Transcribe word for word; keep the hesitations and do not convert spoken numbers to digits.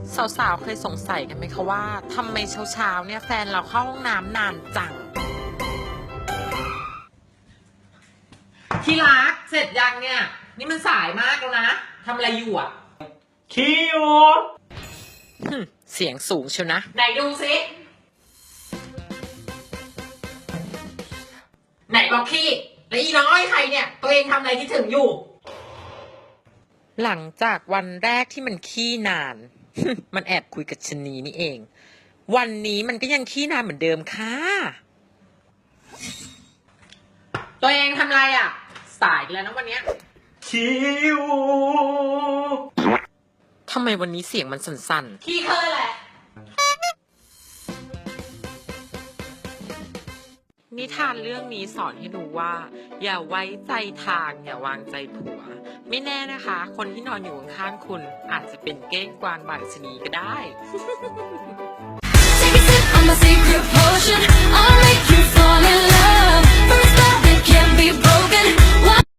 สาวๆเคยสงสัยกันไหมคะว่าทำไมเช้าๆเนี่ยแฟนเราเข้าห้องน้ำนานจังที่รักเสร็จยังเนี่ยนี่มันสายมากแล้วนะทำอะไรอยู่อ่ะขี้อยู่หึเสียงสูงเชียวนะไหนดูสิไหนบอกขี้แล้วอีน้อยใครเนี่ยตัวเองทำอะไรที่ถึงอยู่ หลังจากวันแรกที่มันขี้นาน มันแอบคุยกับชะนีนี่เอง วันนี้มันก็ยังขี้นานเหมือนเดิมค่ะ ตัวเองทำอะไรอ่ะ สายอีกแล้วนะวันเนี้ยขี้อยู่ทำไมวันนี้เสียงมันสั่นๆขี้เคยแหละ นิทานเรื่องนี้สอนให้รู้ว่า อย่าไว้ใจทางอย่าวางใจผัว ไม่แน่นะคะ คนที่นอนอยู่ข้างๆคุณ อาจจะเป็นเก้งกวางบางชนีก็ได้ Take a sip, I'm a secret